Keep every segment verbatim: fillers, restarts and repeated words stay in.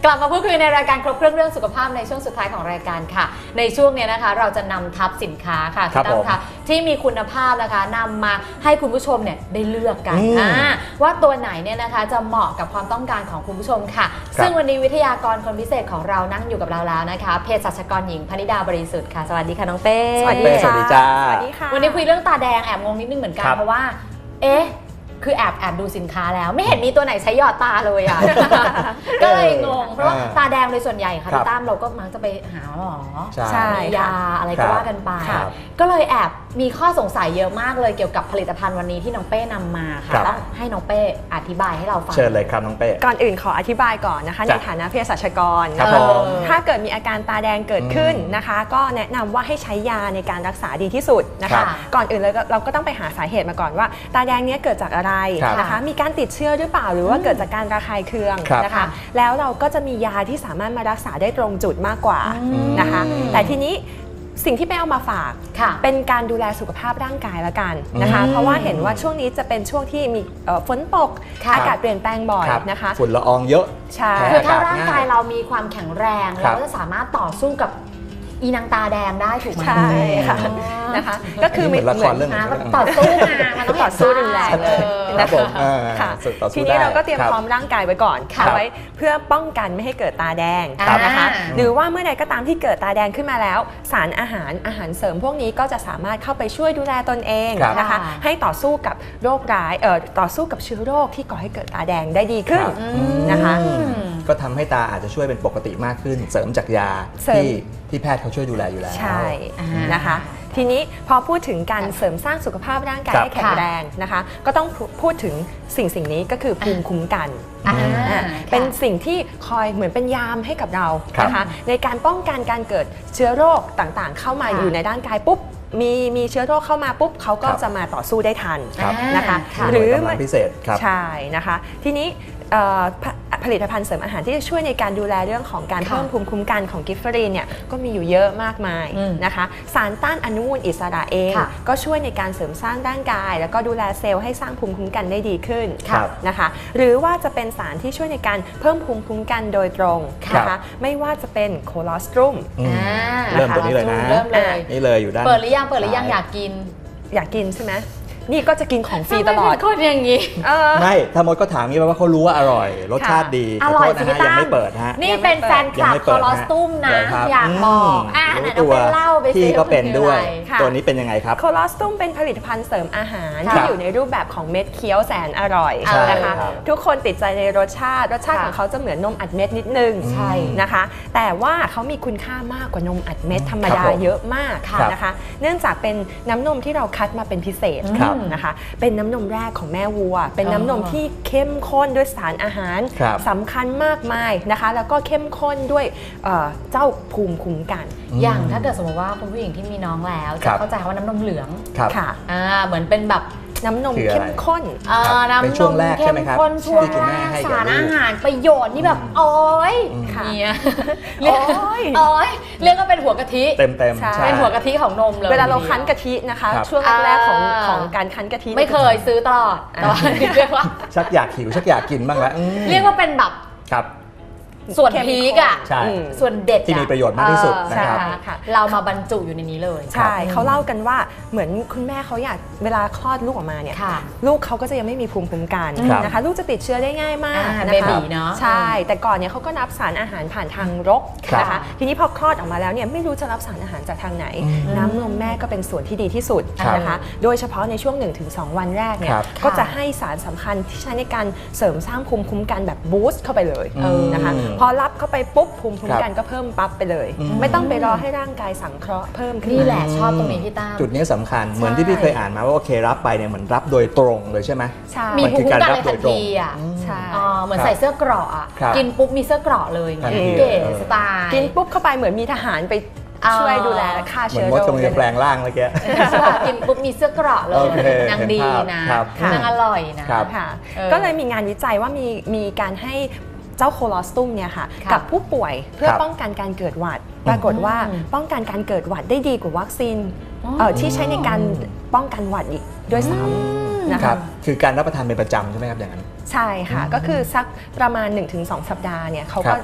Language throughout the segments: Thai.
กลับมาพูดคุยในรายการครบเครื่องเรื่องสุขภาพในช่วงสุดท้ายของรายการค่ะในช่วงนี้นะคะเราจะนำทับสินค้าค่ะที่ตั้งค่ะที่มีคุณภาพนะคะนำมาให้คุณผู้ชมเนี่ยได้เลือกกันว่าตัวไหนเนี่ยนะคะจะเหมาะกับความต้องการของคุณผู้ชมค่ะซึ่งวันนี้วิทยากรคนพิเศษของเรานั่งอยู่กับเราแล้วนะคะเภสัชกรหญิงพนิดาบริสุทธิ์ค่ะสวัสดีค่ะน้องเป้สวัสดีค่ะสวัสดีจ้าสวัสดีค่ะวันนี้คุยเรื่องตาแดงแอบงงนิดนึงเหมือนกันเพราะว่าเอ๊ะคือแอบแอบดูสินค้าแล้วไม่เห็นมีตัวไหนใช้หยอดตาเลยอ่ะ ก็เลยงงเพราะว่าตาแดงโดยส่วนใหญ่ค่ะพี่ตั้มเราก็มักจะไปหาหมอใช่ยาอะไรก็ว่ากันไปครับก็เลยแอบมีข้อสงสัยเยอะมากเลยเกี่ยวกับผลิตภัณฑ์วันนี้ที่น้องเป้นำมาค่ะต้องให้น้องเป้อธิบายให้เราฟังเชิญเลยครับน้องเป้ก่อนอื่นขออธิบายก่อนนะคะในฐานะเภสัชกรครับนะคะผมถ้าเกิดมีอาการตาแดงเกิดขึ้นนะคะ ก็แนะนำว่าให้ใช้ยาในการรักษาดีที่สุดนะครัคะบก่อนอื่นเลยเราก็ต้องไปหาสาเหตุมาก่อนว่าตาแดงเนี้ยเกิดจากอะไรครับนะคะมีการติดเชื้อหรือเปล่าหรือว่าเกิดจากการระคายเคืองครับนะคะแล้วเราก็จะมียาที่สามารถมารักษาได้ตรงจุดมากกว่านะคะแต่ทีนี้สิ่งที่ไปเอามาฝากเป็นการดูแลสุขภาพร่างกายละกันนะคะเพราะว่าเห็นว่าช่วงนี้จะเป็นช่วงที่มีฝนตกอากาศเปลี่ยนแปลงบ่อยนะคะฝุ่นละอองเยอะใช่คือถ้าร่างกายเรามีความแข็งแรงครัเราบก็จะสามารถต่อสู้กับอีนางตาแดงได้ถูกไหมใช่ค่ะนะคะก็คือเหมือนละครเรื่องหนึ่งมันต่อสู้มามันต้องต่อสู้รุนแรงเลเลย ยครับผมอ่าค่ะต่อสู้ทีนี้ได้เราก็เตรียมครับพร้อมร่างกายไว้ก่อนครับเอาไว้เพื่อป้องกันไม่ให้เกิดตาแดงครับนะคะอ่าหรือว่าเมื่อใดก็ตามที่เกิดตาแดงขึ้นมาแล้ว สารอาหารอาหารเสริมพวกนี้ก็จะสามารถเข้าไปช่วยดูแลตนเองครับนะคะให้ต่อสู้กับโรคร้ายเอ่อต่อสู้กับเชื้อโรคที่ก่อให้เกิดตาแดงได้ดีขึ้นครับนะคะก็ทำให้ตาอาจจะช่วยเป็นปกติมากขึ้น เสริมจากยาเสริมที่ที่แพทย์เขาช่วยดูแลอยู่แล้วใช่อ่านนะคะ ทีนี้พอพูดถึงการเสริมสร้างสุขภาพร่างกายครับให้แข็งแรงนะคะ ก็ต้องพูดถึงสิ่งสิ่งนี้ก็คือภูมิคุ้มกันอ่าอ่าเป็นสิ่งที่คอยเหมือนเป็นยามให้กับเราครับนะคะในการป้องกันการเกิดเชื้อโรคต่างๆ เข้ามาค่ะอยู่ในร่างกายปุ๊บมีมีเชื้อโรคเข้ามาปุ๊บเขาก็ครับจะมาต่อสู้ได้ทันครับนะคะค่ะหรือหน่วยกำลังพิเศษครับใช่นะคะทีนี้เอ่อผผลิตภัณฑ์เสริมอาหารที่จะช่วยในการดูแลเรื่องของการค่ะเพิ่มภูมิคุ้มกันของกิฟเฟอรีนเนี่ยก็มีอยู่เยอะมากมายอืมนะคะสารต้านอนุมูลอิสระเองค่ะก็ช่วยในการเสริมสร้างร่างกาย แล้วก็ดูแลเซลล์ให้สร้างภูมิคุ้มกันได้ดีขึ้นครับนะคะหรือว่าจะเป็นสารที่ช่วยในการเพิ่มภูมิคุ้มกันโดยตรงครับนะคะไม่ว่าจะเป็นโคลอสตรุมอืมอ่าเริ่มตัวนี้เลยนะเริ่มเลยนี่เลยอยู่ด้านเปิดหรือยังเปิดหรือยังอยากกินอยากกินใช่ไหมนี่ก็จะกินของฟรีตลอดทำไมเป็นคนอย่างนี้เออไม่ถ้ามดก็ถามงี้แปลว่าเขารู้ว่าอร่อย รสชาติดีอขอร่โทอยษสินะพี่ฮะยังตั้มไม่เปิดฮะนี่เป็นแฟนคยังลับไม่คเปิอดลอสตุ้มนะเหรครับอยากบอกอ่ะมไหนรู้น้องตัวเป้เล่าไปสิพี่ก็เป็นด้วยค่ะตัวนี้เป็นยังไงครับโคลอสตุมเป็นผลิตภัณฑ์เสริมอาหารค่ะที่อยู่ในรูปแบบของเม็ดเคี้ยวแสนอร่อยใช่นะคะครับทุกคนติดใจในรสชาติรสชาติค่ะของเขาจะเหมือนนมอัดเม็ดนิดนึงใช่นะคะ แต่ว่าเขามีคุณค่ามากกว่านมอัดเม็ดธรรมดาครับผมเยอะมากครับนะคะ เนื่องจากเป็นน้ำนมที่เราคัดมาเป็นพิเศษครับนะคะ เป็นน้ำนมแรกของแม่วัว เป็นอ๋อน้ำนมที่เข้มข้นด้วยสารอาหารครับสำคัญมากมายนะคะ แล้วก็เข้มข้นด้วยเอ่อเจ้าภูมิคุ้มกันอย่างถ้าเกิดสมมติว่าคุณผู้หญิงที่มีน้องแล้วครัจะบเข้าใจว่าน้ำนมเหลืองครับค่ะอ่าเหมือนเป็นแบบน้ำนมคืออะไรเข้มข้นอ่าครับน้ำเป็นนช่วงมแรกใช่เข้ไหมมครับข้นช่วงที่คุณแรแม่กให้กับสารลูกอาหารประโยชน์นี่แบบโอ้ยค่ะเนี่ยโอ๊ยโอ้ยเรียกว่าเป็นหัวกะทิเต็มเต็มใช่เป็นหัวกะทิของนมเลยเวลาเราคั้นกะทินะคะครับช่วงแรกๆของอ่าของการคั้นกะทิไม่เคยซื้อตลอดแต่ว่าเรียกว่าชักอยากหิวชักอยากกินบ้างแล้วอืมเรียกว่าเป็นแบบครับส่วนเข้มพีกอ่ะใช่อืมส่วนเด็ดที่มีประโยชน์มากที่สุดนะครับเออค่ะเรามาบรรจุอยู่ในนี้เลยใช่เขาเล่ากันว่าเหมือนคุณแม่เขาอยากเวลาคลอดลูกออกมาเนี่ยค่ะลูกเขาก็จะยังไม่มีภูมิคุ้มกันครับนะคะลูกจะติดเชื้อได้ง่ายมากอ่านะเบคะบีเนาะใช่ แต่ก่อนเนี่ยเขาก็รับสารอาหารผ่านทางรกครับนะคะทีนี้พอคลอดออกมาแล้วเนี่ยไม่รู้จะรับสารอาหารจากทางไหน น้ำนมแม่ก็เป็นส่วนที่ดีที่สุดครับนะคะโดยเฉพาะในช่วง หนึ่งถึงสอง วันแรกเนี่ยครับก็จะให้สารสำคัญที่ใช้ในการเสริมสร้างภูมิคุ้มกันแบบบูสต์เข้าไปเลยเออนะคะพอรับเข้าไปปุ๊บภูมิคุ้มกันก็เพิ่มปั๊บไปเลยอืมไม่ต้องไปรอให้ร่างกายสังเคราะห์เพิ่มขึ้นนี่มาแหละชอบตรงนี้พี่ตั้มจุดนี้สำคัญเหมือนที่พี่เคยอ่านมาว่าโอเครับไปเนี่ยเหมือนรับโดยตรงเลยใช่ไหมใช่มีมันภูคืมิอคุ้การมกันรับเลยโดทัยนตรงทีอ่ะใช่อ๋อเหมือนครับใส่เสื้อเกราะอ่ะครับกินปุ๊บมีเสื้อเกราะเลยทันทีเก๋เออสไตล์กินปุ๊บเข้าไปเหมือนมีทหารไปช่วยดูแลฆ่าเหมือเชื้นอมดโรคกำลังจะแปลงร่างเมื่อกี้ใช่ป่ะกินปุ๊บมีเสื้อเกราะเลโอย เคนางดีนะครับ นางอร่อยนะครับค่ะเออก็เลยมีงานวิจัยว่ามีมีการให้เจ้าโคลอสตุมเนี่ยค่ะค่ะกับผู้ป่วยเพื่อครับป้องกันการเกิดหวัด ปรากฏว่าอืมป้องกันการเกิดหวัดได้ดีกว่าวัคซีนอ๋อเอ่อที่ใช้ในการป้องกันหวัดอีกด้วยซ้ำนะครัคะบคือการรับประทานเป็นประจำใช่ไหมครับอย่างนั้นใช่ค่ะ ก็คือสักประมาณ หนึ่งถึงสอง สัปดาห์เนี่ยเขาครัก็บ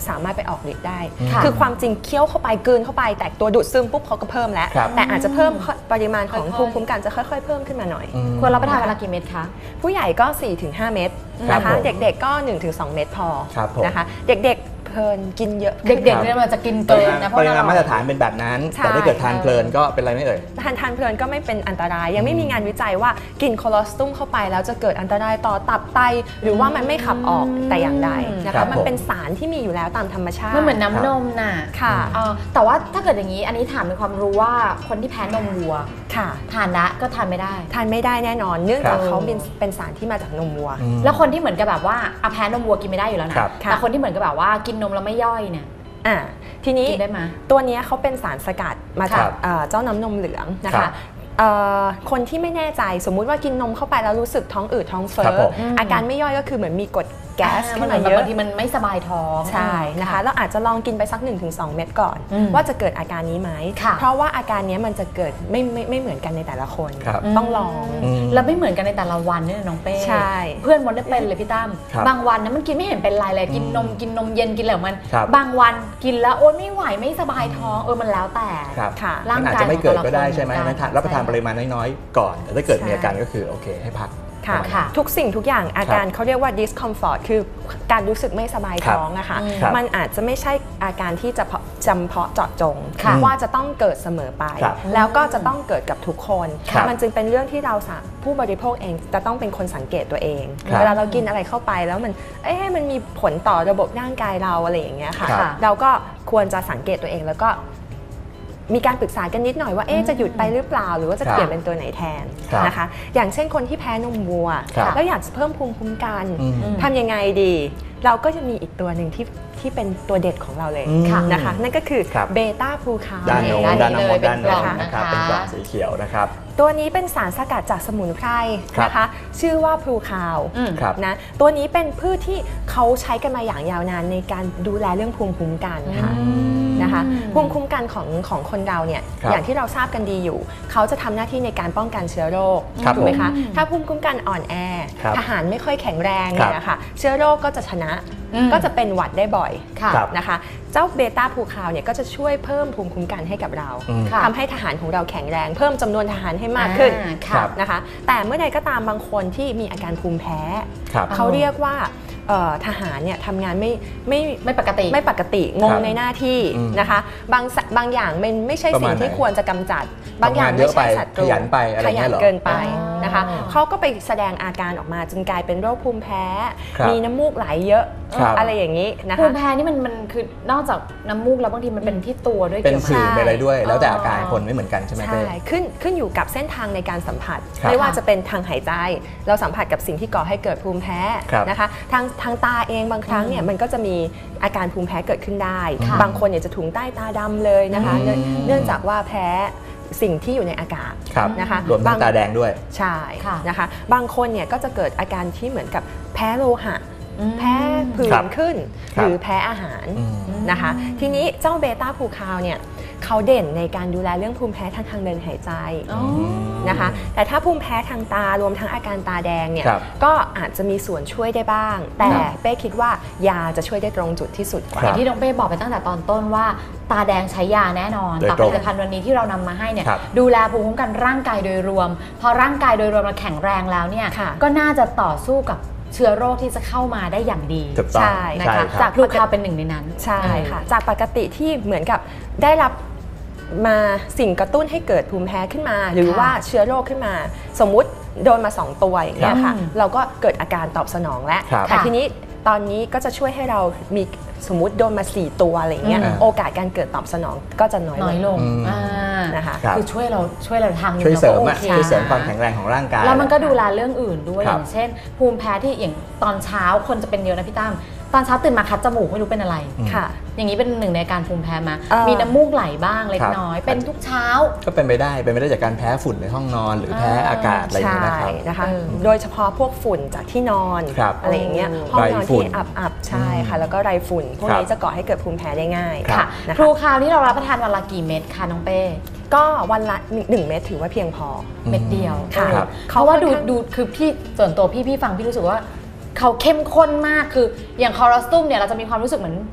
สามารถไปออกฤทธิ์ได้ค่ะคือความจริงเคี้ยวเข้าไปกลืนเข้าไปแต่ตัวดูดซึมปุ๊บเขาก็เพิ่มแล้วครับแต่อาจจะเพิ่มปริมาณของค่อยๆภูมิคุ้มกันจะค่อยๆเพิ่มขึ้นมาหน่อยอืมควรรับประทานเวลากี่เม็ดคะผู้ใหญ่ก็ สี่ถึงห้า เม็ดครับนะคะผมเด็กๆก็ หนึ่งถึงสอง เม็ดพอครับผมนะคะเด็กๆเพลินกินเยอะเด็กๆเนี่ยมันจะกินเกินนะเพปราะริมาณเรามาตรฐานเป็นแบบนั้นใช่แต่ถ้าเกิดทานเพลินก็เป็นไรไม่เอ่ยทานทานเพลินก็ไม่เป็นอันตราย ยังไม่มีงานวิจัยว่ากินโคโลสตุมเข้าไปแล้วจะเกิดอันตรายต่อตับไตหรือว่ามันไม่ขับออกแต่อย่างใดนะครัคะบมันเป็นสารที่มีอยู่แล้วตามธรรมชาติมันเหมือนน้ำนมน่ะค่ะเอ่อแต่ว่าถ้าเกิดอย่างนี้อันนี้ถามเป็นความรู้ว่าคนที่แพ้นมวัวค่ะทานละก็ทานไม่ได้ทานไม่ได้แน่นอน เนื่องจากครับเขาเป็นเป็นสารที่มาจากนมวัวอืมแล้วคนที่เหมือนกับแบบว่าอะแพ้นมวัวกินไม่ได้อยู่แล้วนะครับค่ะแต่คนที่เหมือนกับแบบว่ากินนมแล้วไม่ย่อยเนี่ยอ่าทีนี้กินได้ไหมตัวเนี้ยเขาเป็นสารสกัดมาจากครับเอ่อเจ้าน้ำนมเหลืองนะครัคะบเอ่อคนที่ไม่แน่ใจสมมุติว่ากินนมเข้าไปแล้วรู้สึกท้องอืดท้องเฟ้ครับอผมอาการไม่ย่อยก็คือเหมือนมีกรดแก๊สอ่าขึ้มันนเหมืมาอนแบบเยอะบางทีมันไม่สบายท้องใช่นะคะแล้วอาจจะลองกินไปสัก หนึ่งถึงสอง เม็ดก่อนอืมว่าจะเกิดอาการนี้ไหมค่ะเพราะว่าอาการเนี้ยมันจะเกิดไม่ไม่ไม่เหมือนกันในแต่ละคนครับต้องลองอืมแล้วไม่เหมือนกันในแต่ละวันเนี่ยน้องเป้ใช่เพื่อนมดได้เป็นเลยพี่ตั้มครับบางวันนะมันกินไม่เห็นเป็นไรเลยกินนมกินนมเย็นกินอะไรของมันครับบางวันกินแล้วโอ๊ยไม่ไหวไม่สบายท้องเออมันแล้วแต่ครับค่ะร่างมันอาจกายจะไม่เกิดของแต่ละก็ได้คนใช่ไหมเหมือนกันนั้นทานรับประทานใช่ปริมาณน้อยๆก่อน แต่ถ้าเกิดใช่มีอาการก็คือโอเคให้พักค่ะค่ะทุกสิ่งทุกอย่างอาการเขาเรียกว่า discomfort คือการรู้สึกไม่สบายท้องนะคะครับมันอาจจะไม่ใช่อาการที่จะเพาะจำเพาะเจาะจงค่ะว่าจะต้องเกิดเสมอไปครับแล้วก็จะต้องเกิดกับทุกคนครับมันจึงเป็นเรื่องที่เราสาผู้บริโภคเองจะต้องเป็นคนสังเกตตัวเองครับเวลาเรากินอะไรเข้าไปแล้วมันเอ๊ะมันมีผลต่อระบบร่างกายเราอะไรอย่างเงี้ยค่ะครับเราก็ควรจะสังเกตตัวเองแล้วก็มีการปรึกษากันนิดหน่อยว่าเอ๊ะจะหยุดไปหรือเปล่า หรือว่าจะครับเปลี่ยนเป็นตัวไหนแทนครับนะคะ อย่างเช่นคนที่แพ้นมวัวครับแล้วอยากจะเพิ่มภูมิคุ้มกันอืมทำยังไงดี เราก็จะมีอีกตัวหนึ่งที่ที่เป็นตัวเด็ดของเราเลยอืมนะคะ นั่นก็คือครับเบต้าพลูคาวด้านโน้นด้าด้าน นนี้น้ำมนเลยต์ด้านโน้นเป็นกล่องนะครับนะคะเป็นกล่องสีเขียวนะครับตัวนี้เป็นสารสกัดจากสมุนไพรครับนะคะ ชื่อว่าพลูคาวอืมครับนะตัวนี้เป็นพืชที่เขาใช้กันมาอย่างยาวนานในการดูแลเรื่องภูมิคุ้มกันค่ะ นะคะภูมิคุ้มกันของของคนเราเนี่ยครับอย่างที่เราทราบกันดีอยู่ เขาจะทำหน้าที่ในการป้องกันเชื้อโรคครับถูกไหมผมคะถ้าภูมิคุ้มกันอ่อนแอครับทหารไม่ค่อยแข็งแรงครับเนี่ยนะคะเชื้อโรคก็จะชนะอืมก็จะเป็นหวัดได้บ่อยค่ะครับนะคะเจ้าเบต้าพูคาวเนี่ยก็จะช่วยเพิ่มภูมิคุ้มกันให้กับเราอืมค่ะทำให้ทหารของเราแข็งแรง เพิ่มจำนวนทหารให้มากขึ้นอ่าครัค่ะบนะคะแต่เมื่อใดก็ตามบางคนที่มีอาการภูมิแพ้ครับเขาเรียกว่าเอ่อทหารเนี่ยทำงานไม่ไม่ไม่ปกติไม่ปกติงคงรับในหน้าที่อืมนะคะบางสบางอย่างมันไม่ใช่ประสิ่มาณงที่ไหนควรจะกำจัด บางอย่างทำงานเยไม่อะไปใช่ศัตรูขยันไปอะไรขเงี้ยัยเหรอเกินไปอ๋อนะคะเขาก็ไปแสดงอาการออกมาจนกลายเป็นโรคภูมิแพ้ครับมีน้ำมูกไหลเยอะครับอะไรอย่างนี้นะภูคะมิแพ้นี่มันมันคือนอกจากน้ำมูกแล้วบางทีมันเป็นที่ตัวด้วยเป็นเกี่ยวไหมสื่อเป็นอะไรด้วย แล้วแต่อ๋อออาการคนไม่เหมือนกันใช่ไหมใช่เป้ขึ้นขึ้นอยู่กับเส้นทางในการสัมผัสครับไม่ว่าจะเป็นทางหายใจ เราสัมผัสกับสิ่งที่ก่อให้เกิดภูมิแพ้ครับนะคะทางทางตาเองบางครั้งเนี่ยมันก็จะมีอาการภูมิแพ้เกิดขึ้นได้ค่ะบางคนเนี่ยจะถุงใต้ตาดำเลยนะคะอืมเนื่องเนื่องจากว่าแพ้สิ่งที่อยู่ในอากาศครับนะคะรวมทั้งตาแดงด้วยใช่ค่ะนะคะบางคนเนี่ยก็จะเกิดอาการที่เหมือนกับแพ้โลหะอืมแพ้ผื่ครันบขึ้นครัหบรือแพ้อาหารอืมนะคะ ทีนี้เจ้าเบต้าพูคาวเนี่ยเขาเด่นในการดูแลเรื่องภูมิแพ้ทางทางเดินหายใจอ๋อนะคะแต่ถ้าภูมิแพ้ทางตารวมทั้งอาการตาแดงเนี่ยครับก็อาจจะมีส่วนช่วยได้บ้าง แต่ครับเป้คิดว่ายาจะช่วยได้ตรงจุดที่สุดกว่าคอรับย่างที่น้องเป้บอกไปตั้งแต่ตอนต้นว่า ตาแดงใช้ยาแน่นอนโดยแต่ตผรงลิตภัณฑ์วันนี้ที่เรานำมาให้เนี่ยครับดูแลภูมิคุ้มกันร่างกายโดยรวม พอร่างกายโดยรวมเราแข็งแรงแล้วเนี่ยค่ะก็น่าจะต่อสู้กับเชื้อโรคที่จะเข้ามาได้อย่างดีถูกต้องใช่นะใช่คะคจารักบพลูคาวเป็นหนึ่งในนั้นใช่ค่ะจากปกติที่เหมือนกับได้รับมาสิ่งกระตุ้นให้เกิดภูมิแพ้ขึ้นมา หรือค่ะว่าเชื้อโรคขึ้นมา สมมุติโดนมาสองตัวอย่างเงี้ยค่ะครับเราก็เกิดอาการตอบสนองแล้วครับแต่ทีนี้ตอนนี้ก็จะช่วยให้เรามีสมมุติโดนมาสี่ตัวอะไรอย่างเงี้ยอืมโอกาสการเกิดตอบสนองก็จะน้อยน้อยลลงงอืมอ่านะคะครับคือช่วยเราช่วยเราทางหนึ่งช่วยเสริมก็อะโอเคช่วยเสริมความแข็งแรงของร่างกายแล้วมันก็ดูแลเรื่องอื่นด้วยคอรับย่างเช่น ภูมิแพ้ที่อย่างตอนเช้าคนจะเป็นเยอะนะพี่ตั้มตอนเช้าตื่นมาคัดจมูกไม่รู้เป็นอะไรอืมค่ะอย่างนี้เป็นหนึ่งในการภูมิแพ้มาเอ่อมีน้ำมูกไหลบ้างเล็กครับน้อย เป็นทุกเช้าก็เป็นไปได้เป็นไปได้จากการแพ้ฝุ่นในห้องนอน หรือแพ้อากาศอะไรอย่างใช่เงี้ยนะครับนะคะเออโดยเฉพาะพวกฝุ่นจากที่นอนครับอะไรอย่างเงี้ยโอ้ห้องนอนไรฝุ่ที่นอับๆใช่ค่ะ แล้วก็ไรฝุ่น พวกครับนี้จะก่อให้เกิดภูมิแพ้ได้ง่ายครับค่ะนะครูคะคราวนี้เรารับประทานวันละกี่เม็ดคะน้องเป้ก็วันละหนึ่งเม็ดถือว่าเพียงพอเม็ดเดียวค่ะเออครับเพราะว่าดูเขาค่อนข้างดูคือพี่ส่วนตัวพี่พี่ฟังพี่รู้สึกว่าเขาเข้มข้นมากคืออย่างคอรัสตุมเนี่ยเราจะมีความรู้สึกเหมือน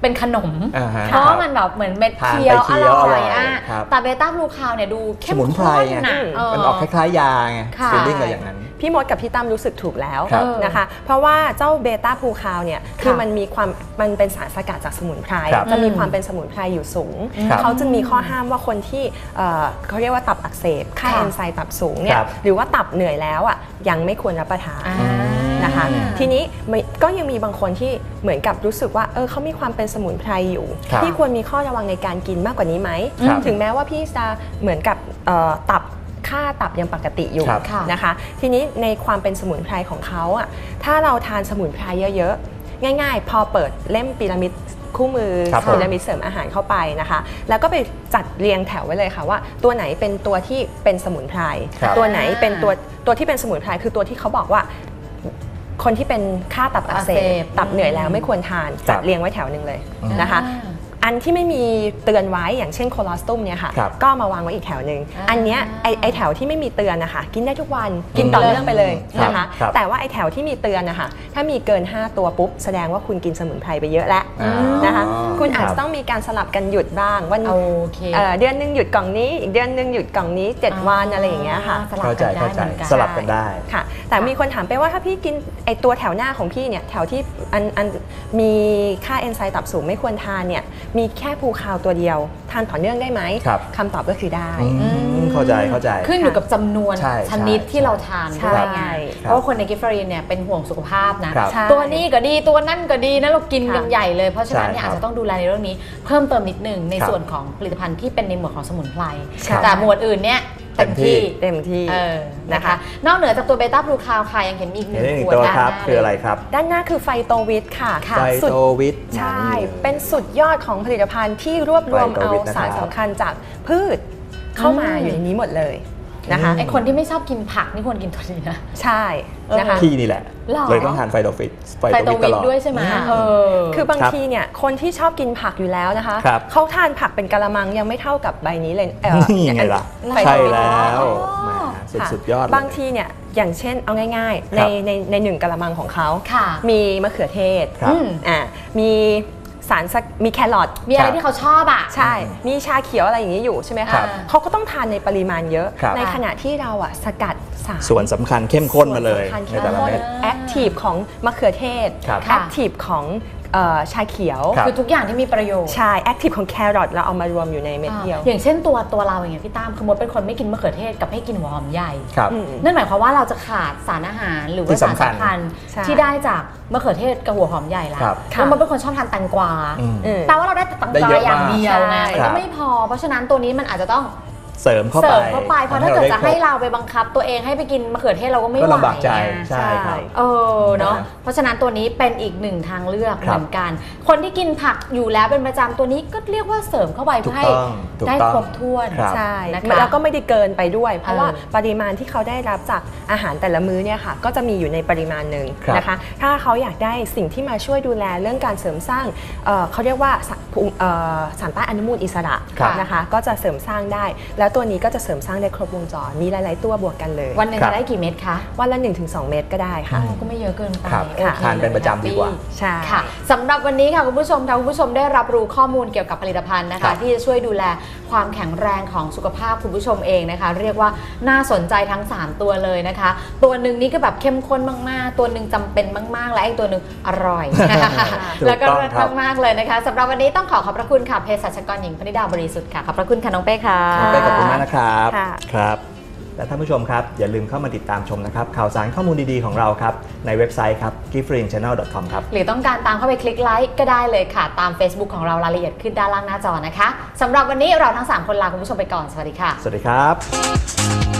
เป็นขนมอ่าฮะเพราะว่ามันแบบเหมือนเม็ดทานเคี้ยวไปเคี้อยวร่อยอร่อยอ่ะครับแต่เบต้าบลูคาวเนี่ยดูเข้มสมุนไพรข้นไงนะเออมันออกคล้ายๆยาไงค่ะฟีลลิ่งก็อย่างนั้นพี่มดกับพี่ตั้มรู้สึกถูกแล้วครับนะคะ เพราะว่าเจ้าเบต้าพูคาวเนี่ยคือมันมีความมันเป็นสารสกัดจากสมุนไพรครับจะมีความเป็นสมุนไพรอยู่สูงครับเขาจึงมีข้อห้ามว่าคนที่เอ่อเขาเรียกว่าตับอักเสบค่าค่ะเอนไซม์ตับสูงเนี่คยรับหรือว่าตับเหนื่อยแล้วอ่ะยังไม่ควรรับประทานอ่านะคะ ทีนี้ไม่ก็ยังมีบางคนที่เหมือนกับรู้สึกว่าเออเขามีความเป็นสมุนไพรอยู่ครับพี่ควรมีข้อระวังในการกินมากกว่านี้ไหมครับถึงแม้ว่าพี่จะเหมือนกับเอ่อตับค่าตับยังปกติอยู่ครับค่ะนะคะ ทีนี้ในความเป็นสมุนไพรของเขาอ่ะถ้าเราทานสมุนไพรเยอะๆ ง่ายๆ พอเปิดเล่มพีระมิดคู่มือครับผมพีระมิดเสริมอาหารเข้าไปนะคะ แล้วก็ไปจัดเรียงแถวไว้เลยค่ะว่าตัวไหนเป็นตัวที่เป็นสมุนไพรครับตัวไหนเป็นตัวตัวที่เป็นสมุนไพรคือตัวที่เขาบอกว่า คนที่เป็นค่าตับอักเสอักเสบบ ตับเหนื่อยแล้วไม่ควรทานครัจับดเรียงไว้แถวหนึ่งเลยอืมนะคะ อันที่ไม่มีเตือนไว้อย่างเช่นโคลอสตุมเนี่ยค่ะครับก็มาวางไว้อีกแถวหนึ่งอ่าอันเนี้ยไอไอแถวที่ไม่มีเตือนนะคะกินได้ทุกวันกินต่อเนื่องไปเลยครับนะคะครับแต่ว่าไอแถวที่มีเตือนนะคะถ้ามีเกิน ห้า ตัวปุ๊บแสดงว่าคุณกินสมุนไพรไปเยอะแล้วอ๋อนะคะคุณอาจรัจะบต้องมีการสลับกันหยุดบ้างวันโอเคเอ่อเดือนหนึงหยุดกล่องนี้อีกเดือนหนึงหยุดกล่องนี้เจ็ดวันอะไรอย่างเงี้ยค่ะสลับเข้าใจกันได้เข้าใจเหมือนกันสลับกันได้ค่ะ แต่มีคนถามไปว่าถ้าพี่กินไอตัวแถวหน้าของพี่เนี่ยแถวที่อันอันมีค่าเอนไซม์ตับสูงไม่ควรทานเนี่ยมีแค่ภูคาวตัวเดียวทานต่อเนื่องได้ไหมครับคำตอบก็คือได้อืมเข้าใจเข้าใจขึ้นอยู่กับจำนวนใช่ชนิดใช่ที่เราทานใช่ด้วยไงครับเพราะว่าคนในกิฟต์ฟรีนเนี่ยเป็นห่วงสุขภาพนะครับใช่ตัวนี้ก็ดีตัวนั่นก็ดีนะเรากินกันค่ะใหญ่เลย เพราะฉะนั้นเนี่ยใช่ครับอาจจะต้องดูแลในเรื่องนี้เพิ่มเติมนิดหนึงในครับส่วนของผลิตภัณฑ์ที่เป็นในหมวดของสมุนไพรครับแต่หมวดอื่นเนี่ยเต็มที่เต็มที่เออนะนะคะ คะนอกเหนือจากตัวเบต้าบลูคาวค่ะยังเห็นมีอีกหเห็นึ่นงได้หนึ่งขวดตัวด้านครับหน้าคืออะไรครับด้านหน้าคือไฟโตวิทค่ะค่ะไฟสุดโตวิทใช่นี่เป็นสุดยอดของผลิตภัณฑ์ที่รวบรวมไฟโตเอาวิทนะครับสารสำคัญจากพืชเข้ามาอืมอยู่ในนี้หมดเลยนะคะอืมไอคนที่ไม่ชอบกินผักนี่ควรกินตัวนี้นะใช่นะคะพี่นี่แหละหรอเลยต้องทานไฟโตวิทไฟไฟโตโตวิทตวิลทอดด้วยใช่ไหมค่ะเออคือบางครับทีเนี่ยคนที่ชอบกินผักอยู่แล้วนะคะครับเขาทานผักเป็นกะละมังยังไม่เท่ากับใบนี้เลยเอ่อนี่ไงล่ะไฟใช่โตวิทแล้วอ๋อแหมสุดค่ะสุดยอดเลยบางทีเนี่ยอย่างเช่นเอาง่ายๆคในรับในในหนึ่งกะละมังของเขาค่ะมีมะเขือเทศครับอืมอ่ามีสารสักมีแครอทมีอะไรครับที่เขาชอบอ่ะใช่ มีชาเขียวอะไรอย่างนี้อยู่ใช่ไหมครัคะบเขาก็ต้องทานในปริมาณเยอะครับในขณะที่เราอะสกัดสารส่วนสำคัญเข้มข้นมาเลยส่วนสำคัญในเข้มแต่ละข้นเม็ดแอคทีฟของมะเขือเทศครับแอคทีฟของเอ่อชาเขียวครับคือทุกอย่างที่มีประโยชน์ใช่แอคทีฟของแครอทเราเอามารวมอยู่ในเม็ดเดียวอ่าอย่างเช่นตัวตัวเราอย่างเงี้ยพี่ตั้มคือมดเป็นคนไม่กินมะเขือเทศกับให้กินหัวหอมใหญ่ครับอืมนั่นหมายความว่าเราจะขาดสารอาหารหรือที่ว่าสารสำคัญสำคัญใช่ที่ได้จากมะเขือเทศกับหัวหอมใหญ่ละครับแล้วมดเป็นคนชอบทานแตงกวาอืมอืมแปลว่าเราได้แต่แตงได้กวาเยอะอย่างมากเดียวไงใช่ก็ไม่พอ เพราะฉะนั้นตัวนี้มันอาจจะต้องเสริมเข้าเสไปริมเข้าไปเพราะถ้าเกิดจะให้ทำเราไปบังคับตัวเองให้ไปกินมะเขือเทศเราก็ไม่ไหวก็ลำบากใจไงใช่ครับเออเนาะนะเพราะฉะนั้นตัวนี้เป็นอีกหนึ่งทางเลือกครัเหบมือนกัน คนที่กินผักอยู่แล้วเป็นประจำตัวนี้ก็เรียกว่าเสริมเข้าไปถูเพื่กอให้ต้องถูกได้ต้องครบถ้วนครับใช่นะคะแล้วก็ไม่ได้เกินไปด้วย เพราะว่าเออปริมาณที่เขาได้รับจากอาหารแต่ละมื้อเนี่ยค่ะก็จะมีอยู่ในปริมาณหนึ่งครับนะคะถ้าเขาอยากได้สิ่งที่มาช่วยดูแลเรื่องการเสริมสร้างเอ่อเขาเรียกว่าสารภูมิเอ่อสารต้านอนุมูลอิสระครับนะคะก็จะเสริมสร้างได้ แล้วตัวนี้ก็จะเสริมสร้างได้ครบวงจรมีหลาย ๆ ตัวบวกกันเลยวันหนึ่งครับจะได้กี่เม็ดคะวันละ หนึ่งถึงสอง เม็ดก็ได้ค่ะก็ไม่เยอะเกินไปครับโอเคทานเป็นประจำดีกว่าใช่ค่ะสำหรับวันนี้ค่ะคุณผู้ชมค่ะคุณผู้ชมได้รับรู้ข้อมูลเกี่ยวกับผลิตภัณฑ์นะครัคะบที่จะช่วยดูแลความแข็งแรงของสุขภาพคุณผู้ชมเองนะคะ เรียกว่าน่าสนใจทั้งสามตัวเลยนะคะ ตัวหนึ่งนี่ก็แบบเข้มข้นมากๆ ตัวหนึ่งจำเป็นมากๆ และอีกตัวหนึ่งอร่อยถูกแล้วก็ต้องเลิศครับมากๆเลยนะคะสำหรับวันนี้ต้องขอขอบพระคุณค่ะเภสัชกรหญิงพนิดาบริสุทธิ์ค่ะขอบพระคุณค่ะน้องเป้ค่ะน้องเป้ขอบคุณมากนะครับค่ะครับ และท่านผู้ชมครับ อย่าลืมเข้ามาติดตามชมนะครับ ข่าวสารข้อมูลดีๆของเราครับ ในเว็บไซต์ครับ กิฟต์ฟรีนแชนแนล ดอท คอม ครับหรือต้องการตามเข้าไปคลิกไลค์ก็ได้เลยค่ะ ตาม Facebook ของเรารายละเอียดขึ้นด้านล่างหน้าจอนะคะสำหรับวันนี้เราทั้งสามคนลาคุณผู้ชมไปก่อนสวัสดีค่ะสวัสดีครับ